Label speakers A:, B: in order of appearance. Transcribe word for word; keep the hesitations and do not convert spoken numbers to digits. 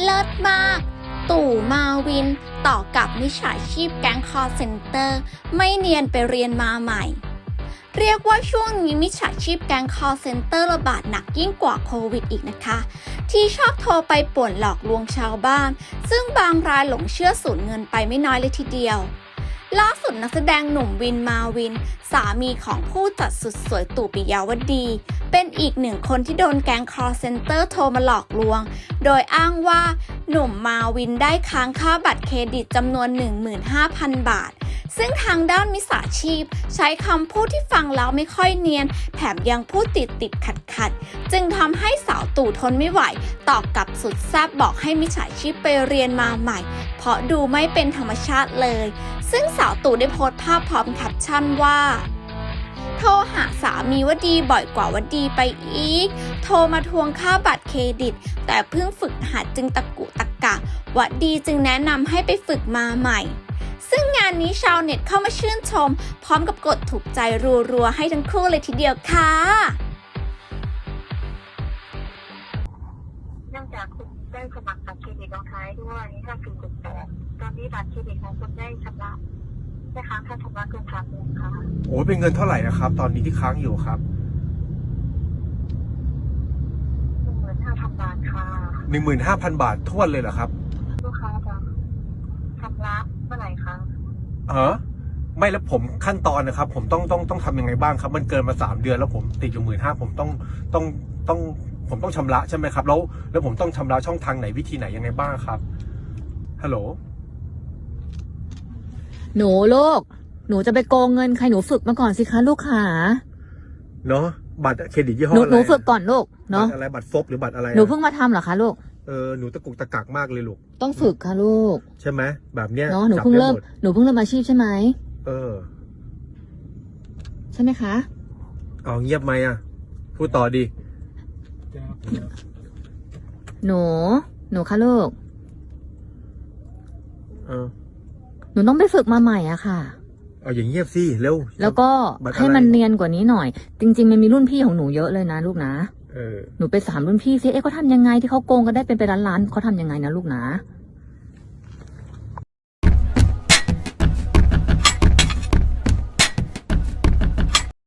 A: เลิศมากตู่มาวินต่อกับมิจฉาชีพแก๊งคอลเซ็นเตอร์ไม่เนียนไปเรียนมาใหม่เรียกว่าช่วงนี้มิจฉาชีพแก๊งคอลเซ็นเตอร์ระบาดหนักยิ่งกว่าโควิดอีกนะคะที่ชอบโทรไปป่วนหลอกลวงชาวบ้านซึ่งบางรายหลงเชื่อสูญเงินไปไม่น้อยเลยทีเดียวล่าสุดนักแสดงหนุ่มวินมาวินสามีของผู้จัดสุดสวยตู่ปิยาวดีเป็นอีกหนึ่งคนที่โดนแก๊ง call center โทรมาหลอกลวงโดยอ้างว่าหนุ่มมาวินได้ค้างค่าบัตรเครดิตจำนวน หนึ่งหมื่นห้าพัน บาทซึ่งทางด้านมิจฉาชีพใช้คำพูดที่ฟังแล้วไม่ค่อยเนียนแถมยังพูดติดติดขัดขัดจึงทำให้สาวตู่ทนไม่ไหวตอบกลับสุดแซ่บบอกให้มิจฉาชีพไปเรียนมาใหม่เพราะดูไม่เป็นธรรมชาติเลยซึ่งสาวตู่ได้โพสต์ภาพพร้อมแคปชั่นว่าโทรหาสามีว่าดีบ่อยกว่าว่าดีไปอีกโทรมาทวงค่าบัตรเครดิตแต่เพิ่งฝึกหัดจึงตะกุตะกะว่าดีจึงแนะนำให้ไปฝึกมาใหม่ซึ่งงานนี้ชาวเน็ตเข้ามาชื่นชมพร้อมกับกดถูกใจรัวๆให้ทั้งคู่เลยทีเดียวค่ะ
B: เนื่องจากคุณได้สมัครบัตรเครดิตลงท้ายด้วยห้า สี่ เจ็ด แปดตอนนี้บัตรเครดิตของคุณได้ชำระได้ค้างค่าชำระเกินสามเดือนค่ะ
C: โอ้เป็นเงินเท่าไหร่นะครับตอนนี้ที่ค้างอยู่ครับ
B: หนึ่งหมื่นห้าพันบาทค่ะ
C: หนึ่งหมื่นห้าพันบาททวนเลยเหรอครับ
B: ลูกค้าจะชำระเมื่อไหร่คะ
C: เออไม่แล้วผมขั้นตอนนะครับผมต้องต้องต้องทำยังไงบ้างครับมันเกินมาสามเดือนแล้วผมติดอยู่หมื่นห้าผมต้องต้องต้องผมต้องชำระใช่ไหมครับแล้วแล้วผมต้องชำระช่องทางไหนวิธีไหนยังไงบ้างครับฮัลโหล
D: หนูลูกหนูจะไปโกงเงินใครหนูฝึกมาก่อนสิคะลูกขา
C: เนาะบัตรเครดิตยี่ห้ออะไร
D: หนูฝึกก่อนลูกเนาะ
C: อะไรบัตรซบหรือบัตรอะไร
D: หนูเพิ่งมาทำเหรอคะลูก
C: เออหนูตะกุกตะกักมากเลยลูก
D: ต้องฝึกค่ะลูก
C: ใช่ไหมแบบเนี้ย
D: เนาะหนูเพิ่งเริ่มหนูเพิ่งเริ่มอาชีพใช่ไหม
C: เออ
D: ใช่ไหมคะ
C: เอาเงียบไหมอ่ะพูดต่อดี
D: หนูหนูคะลูก
C: เออ
D: หนูต้องไปฝึกมาใหม่อะค่ะ
C: เอาอย่างเงียบสิเร็ว
D: แล้วก็ให้มันเนียนกว่านี้หน่อยจริงๆมันมีรุ่นพี่ของหนูเยอะเลยนะลูกนะ
C: เออ
D: หนูไปสามรุ่นพี่ซิเอ๊ะเขาทำยังไงที่เขาโกงกันได้เป็นไปล้านๆเขาทำยังไงนะลูกนะ